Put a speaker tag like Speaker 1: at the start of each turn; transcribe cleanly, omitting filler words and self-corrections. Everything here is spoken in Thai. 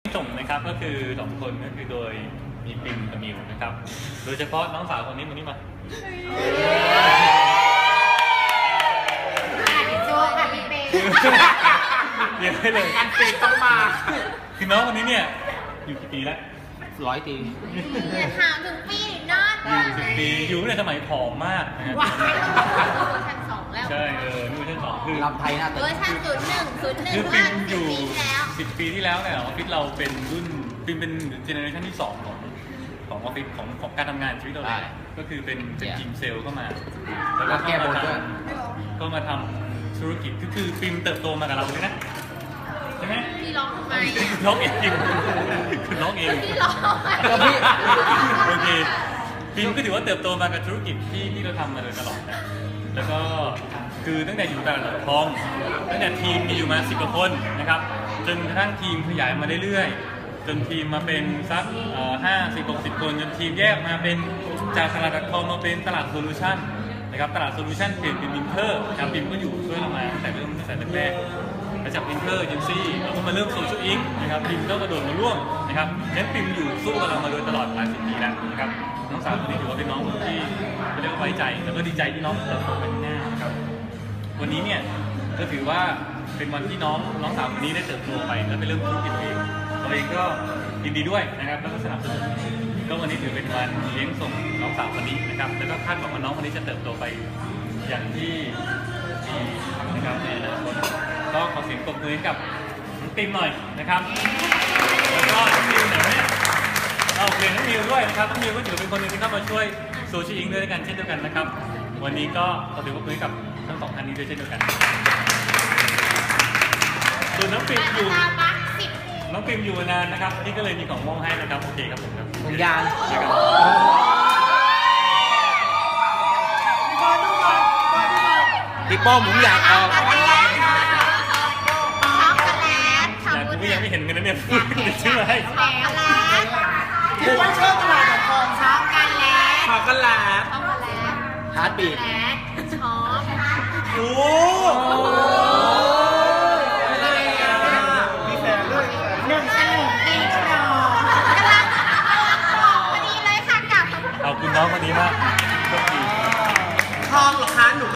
Speaker 1: ส่งนะครับก็คือ2คนก็คือโดยมีปิมกับมิวนะครับโดยเฉพาะน้องสาวคนนี้มา
Speaker 2: โจ้ค่ะพี่เป้
Speaker 1: เรียนได้เลย
Speaker 3: การเปต้องมา
Speaker 1: คือน้องคนนี้เนี่ยอยู่กี่ปีแล้ว
Speaker 3: 100 ปี
Speaker 2: อย่าถามถึงปีหรือนอน
Speaker 1: อยู่10 ปีอยู่ในสมัยผอมมากนะครับ
Speaker 2: เวอร์ชัน2แล้ว
Speaker 1: ใช่นี่เวอร์ชัน2คือ
Speaker 3: ลำไทยหน้าตึก
Speaker 2: เวอร์ชัน01
Speaker 1: คือปิมอยู่
Speaker 2: 10 ปี
Speaker 1: ที่แล้วเนี่ยออฟฟิศเราเป็นรุ่นปิมเป็นเจเนอเรชันที่2ของออฟฟิศของการทำงานชีวิตเราเลยก็คือเป็นทีมเซลล์เข้ามาแล้วก็ก็มาทำธุรกิจคือปิมเติบโตมากับเราเลยนะใช่ไหม
Speaker 2: พี่ร้องทำไม
Speaker 1: ร้องเองคือร้องเอง
Speaker 2: พี่ร้อง
Speaker 1: ก็พี่โอเคปิมก็ถือว่าเติบโตมากับธุรกิจที่เราทำมาโดยตลอดนะแล้วก็คือตั้งแต่อยู่ตลาดทองตั้งแต่ทีมมีอยู่มา10 กว่าคนนะครับจนกระทั่งทีมขยายมาเรื่อยๆจนทีมมาเป็นสัก50-60 คนจนทีมแยกมาเป็นจากตลาดทองมาเป็นตลาดโซลูชันนะครับตลาดโซลูชันเปลี่ยนเป็นวินเทอร์ครับปิมก็อยู่ช่วยเรามาตั้งแต่แรกมาจากวินเทอร์เอเจนซี่แล้วก็มาเริ่มโซเชียลอิงนะครับปิมก็กระโดดมาร่วมนะครับงั้นปิมอยู่สู้กับเรามาโดยตลอดหลาย10 ปีแล้วนะครับน้องสาวคนนี้ถือว่าเป็นน้องที่เรียกว่าไว้ใจแล้วก็ดีใจที่น้องเติบโตไปข้างหน้านะครับวันนี้เนี่ยก็ถือว่าเป็นวันที่น้องสาวคนนี้ได้เติบโตไปแล้วไปเริ่มธุรกิจตัวเองก็ยินดีด้วยนะครับแล้วก็สนับสนุนก็วันนี้ถือเป็นวันเลี้ยงส่งน้องสาวคนนี้นะครับแล้วก็คาดหวังว่าน้องคนนี้จะเติบโตไปอย่างที่ดีนะครับในอนาคตก็ขอเสียงปรบมือให้กับน้องติมหน่อยนะครับแล้วก็น้องมิวหน่อยเนี่ยเราเรียนน้องมิวด้วยนะครับน้องมิวก็ถือเป็นคนหนึ่งที่เข้ามาช่วยโซเชียลอิงด้วยกันเช่นเดียวกันนะครับวันนี้ก็ขอเสียงปรบมือให้กับทั้ง2 ท่านนี้ด้วยเช่นเดียวกันส่วนน้องปิมอยู่นานนะครับนี่ก็เลยมีของมอบให้นะครับโอเคครับผมครับ
Speaker 3: ถุงยางพี่ป้อมผมอยากเอา
Speaker 2: ช็อกโกแลต
Speaker 1: แต่กูยังไม่เห็นกันนะเนี่ยชื่ออะไร
Speaker 2: ช็อกโกแลต
Speaker 3: ผมว่าชอบตลาดทอง
Speaker 2: ช็อกโกแลต
Speaker 3: ฮาร์ดบีท
Speaker 2: ช็อกโกแลตช็อก
Speaker 1: โอ้